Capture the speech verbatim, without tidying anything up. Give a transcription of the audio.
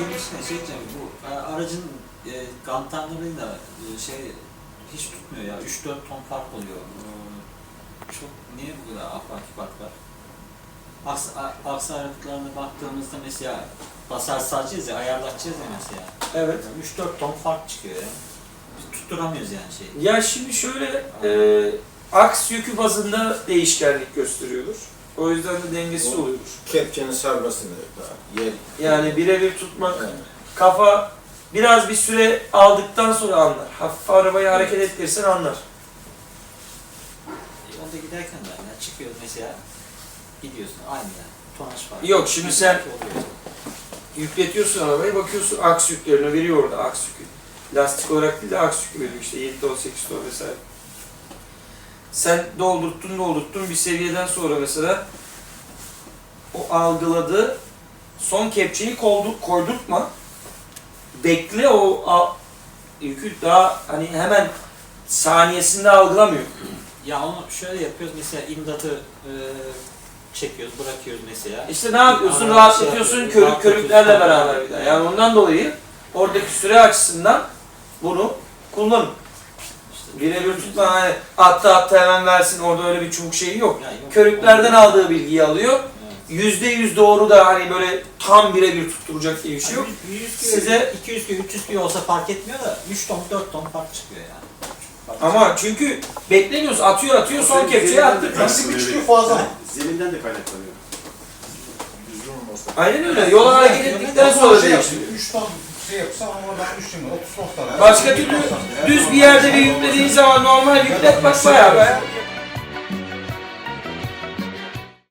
demişken şey diyeceğim, bu e, aracın e, kantarlarıyla e, şey hiç tutmuyor ya, üç dört ton fark oluyor. E, çok, niye bu kadar afaki fark var? Aks, a- aksi aralıklarına baktığımızda mesela basar salacağız ya, ayarlatacağız ya mesela. Evet. üç dört ton fark çıkıyor ya. Biz tutturamıyoruz yani şeyi. Ya şimdi şöyle, e, aks yükü bazında değişkenlik gösteriyordur. O yüzden de dengesiz O- oluyordur. Kepçenin sarmasını da yer. Yani birebir tutmak, Evet. kafa biraz bir süre aldıktan sonra anlar. Hafif arabayı hareket ettirirsen anlar. E, onda giderken de yani çıkıyor mesela, gidiyorsun aynı yani. Tonaj farkı. Yok, şimdi sen- Oluyor. Yükletiyorsun arabayı, bakıyorsun aks yüklerini veriyor orada, aks yükü. Lastik olarak değil de aks yükü veriyor işte yedi ton, sekiz ton vesaire. Sen doldurttun doldurttun bir seviyeden sonra mesela o algıladığı son kepçeyi koldur, koydurtma. Bekle, o a- yükü daha hani hemen saniyesinde algılamıyor. Ya onu şöyle yapıyoruz mesela, imdatı e, çekiyoruz, bırakıyoruz mesela. İşte ne yapıyorsun? Ara- Rahatlatıyorsun şey yapıyoruz, körük rahatlatıyoruz. körüklerle beraber bir daha. Yani ondan dolayı oradaki süre açısından bunu kullanın. İşte Birebir tutma, hani atta atta hemen versin, orada öyle bir çubuk şeyi yok. Yani yok. Körüklerden aldığı bilgiyi alıyor. Evet. Yüzde yüz doğru da hani böyle tam birebir tutturacak diye bir şey yok. Yani yüz kilo, Size- iki yüz kilo, üç yüz kilo olsa fark etmiyor da üç ton, dört ton fark çıkıyor yani. Fark Ama çünkü beklemiyoruz, atıyor atıyor, son kepçeyi attık. Eksi bir çıkıyor fazla mı? Zeminden de kaynaklanıyor. Düzgün olmasa. Aynen öyle. Yola hareket ettikten sonra değişiyor. üç ton şey yapsa ama oradan üç ton, otuz ton. Başka türlü düz bir yerde bir yüklediğin zaman normal yüklet bak bayağı be.